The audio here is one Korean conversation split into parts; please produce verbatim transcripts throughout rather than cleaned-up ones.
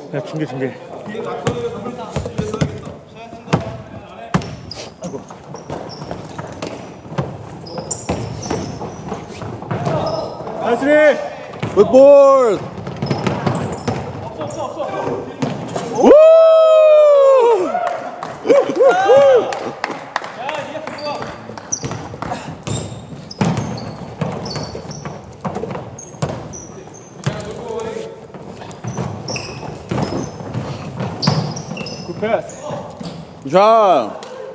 야, 중계 중계. 아이고. 나이스. 굿볼. 없어 없어 없어. 우! 패스. 자.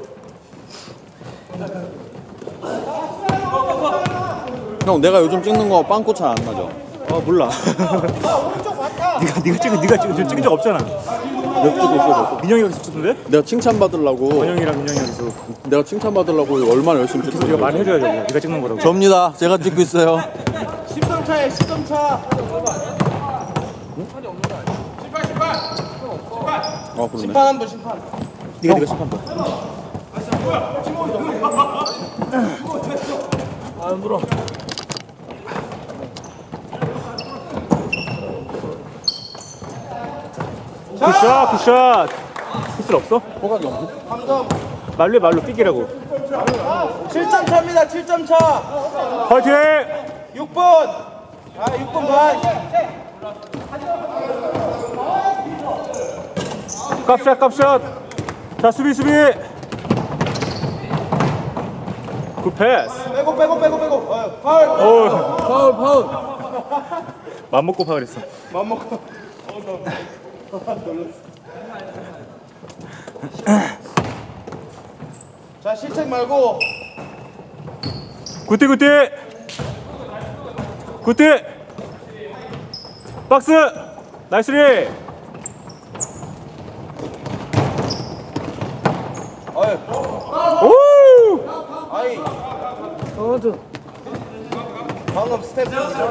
형, 내가 요즘 찍는 거 빵꾸 잘 안 나죠? 어 몰라. 네가 네가 찍은 네가 찍은 찍은 적 없잖아. 몇 찍고 있어? 민영이 여기서 찍던데? 내가 칭찬 받으려고. 원영이랑 민영이 여기서. 내가 칭찬 받으려고 얼마나 열심히 찍고 있어. 네가 말해줘야죠. 네가 찍는 거라고. 접니다. 제가 찍고 있어요. 십 점 차에 십 점 차. 아, 그러네. 심판 한 번 심판. 네가 네가 심판 봐. 아 물어. 굿샷 굿샷. 굿슬 없어? 호각이 없네. 삼 점. 말로 해, 말로 삐기라고. 칠 점 차입니다. 칠 점 차. 화이팅! 육 분. 아 육 분 반. 깝샷 깝샷. 자 수비 수비. 굿 패스. 빼고 빼고 빼고 빼고. 어, 파울. 오. 파울, 파울. 맘 먹고 파울했어. 맘 먹고. 자 실책 말고. 굿띠 굿띠. 굿띠. 박스. 나이스리. 어이. 오. 아이. 어, 방금 스텝.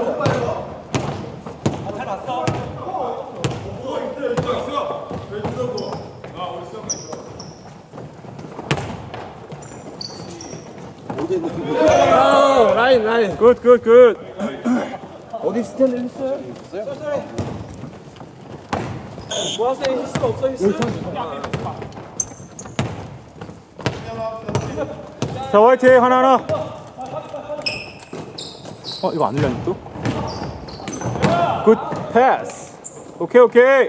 아, 라인, 라인. 굿 굿 굿. 어디 스탠드 했어요? 뭐 하세요? 히스가 없어 히스. 자 화이팅 하나 하나. 어 이거 안 흘렸니 또? 굿 패스. 오케이 오케이.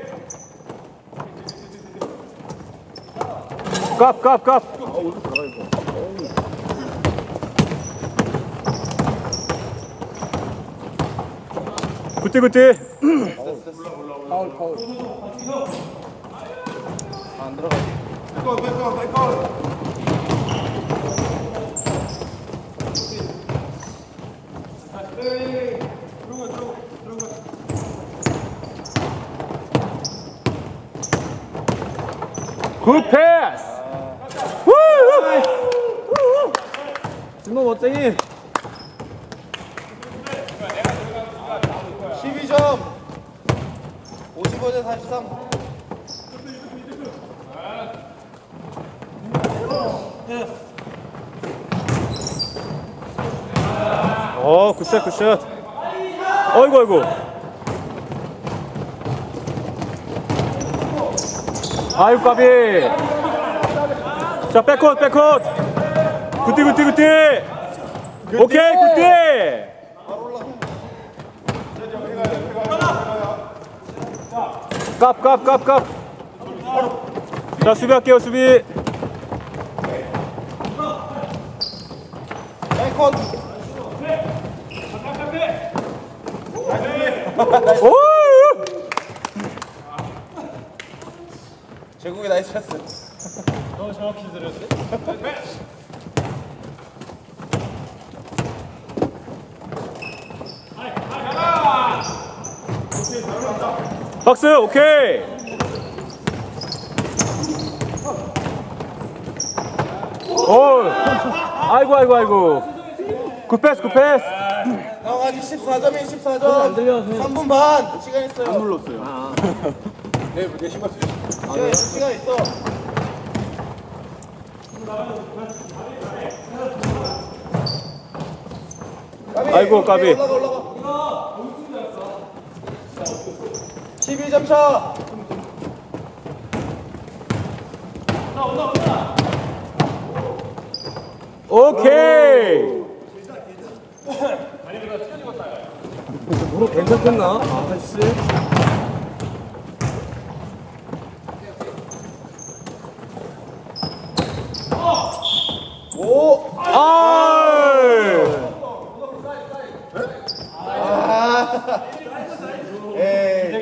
깝깝 깝. 굿띠 굿띠. 파울, 파울. 안 들어가. 백골 백골 백골. 굿 패스. 준호 멋쟁이. 십이 점. 오십오 대 사십삼. 어 굿샷 굿샷. 어이구 어이구. 아유 까비. 자 백컷 백컷. 굿띠 굿띠 굿띠. 오케이 굿띠. 깝깝깝깝. 자 수비할게요 수비. 백컷. 오. 제국이 나이스 패스. 너무 정확히 들었어. 박스 오케이. 오. 아이고 아이고 아이고. 굿 패스 굿 패스. 형 아직 십사 점이 십사 점. 삼 분 반 시간 있어요. 안 눌렀어요. 네, 내 신발 시간 있어. 시간 있어. 아이고 까비. 올라가 올라가. 십이 점 차. 오케이. 무릎 괜찮겠나? 아, 씨. 오! 아이. 에이.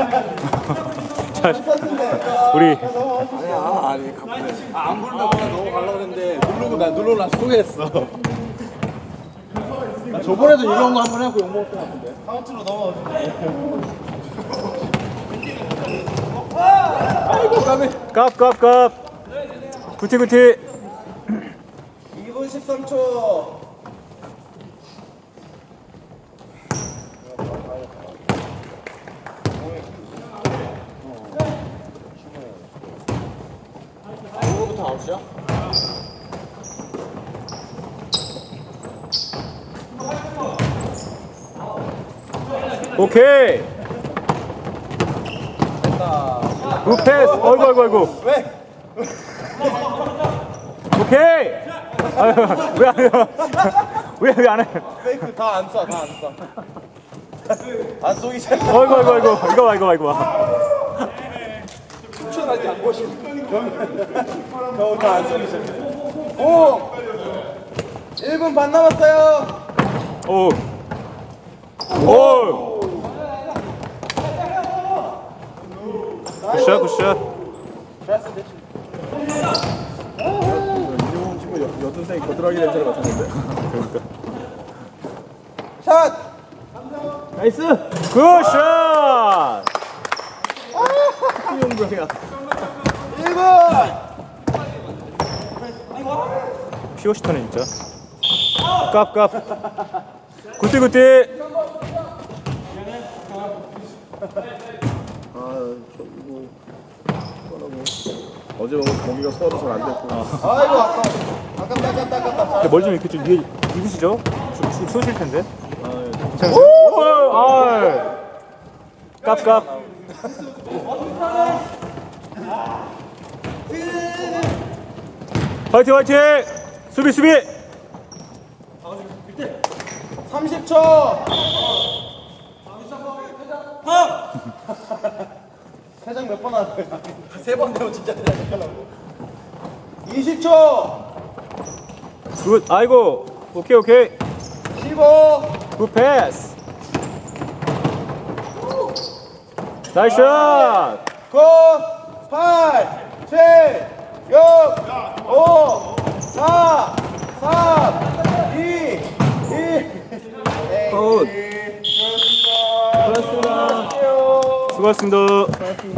자, 우리 아니야, 아니, 가만히. 아, 안 부른다고 나 넘어가려고 그랬는데, 누르고 나, 누르고 나 소개했어. 나 저번에도 이런 거 한 번 해갖고 욕먹었던 것 같은데. 카운트로 넘어가서. 아이고, 까비. 깝깝깝. 구티 구티. 이 분 십삼 초. 이거부터 아웃이야? 오케이. 굿 패스. 어이구 어이구 어이구. 왜? 오케이. 아유, 왜안 해요? 왜 왜 안 해? 페이크 다 안 써, 다 안 써. 안 쏘기 잘. 어이구 어이구 어이구. 이거 봐 이거 봐 이거 봐. 추천하지 안 보시. 겨우 다안 쏘기 잘. 오! 일 분 반 남았어요. 오. 오. 굿샷 굿샷. 됐어, 됐지. 이종훈 친구 여- 여든생이 거드라기 냄새를 맡았는데. 샷! 나이스. 굿샷. 이용병이야. 일 분! 피오시터네 진짜. 깝깝. 굿띠 굿띠. 아, 저 이거 뭐라고. 어제 먹은 고기가 소화도 잘 안 됐고. 아이고, 아까. 아깝다, 아깝다, 아깝다. 근데 머리 좀 이렇게 좀 위에 입으시죠? 좀, 좀 쏘실 텐데. 아, 예. 괜찮으세요? 오! 아. 깝깝. 화이팅 화이팅. 수비 수비. 삼십 초! 퇴장 몇 번 하는 거야? 세 번 되면 진짜 퇴장 하려고. 이십 초! 굿. 아이고. 오케이 오케이. 십오! 굿 패스. 나이스 샷. 구, 팔, 칠, 육, 오, 사, 삼, 이, 일. 굿. 수고하셨습니다. 수고하셨습니다.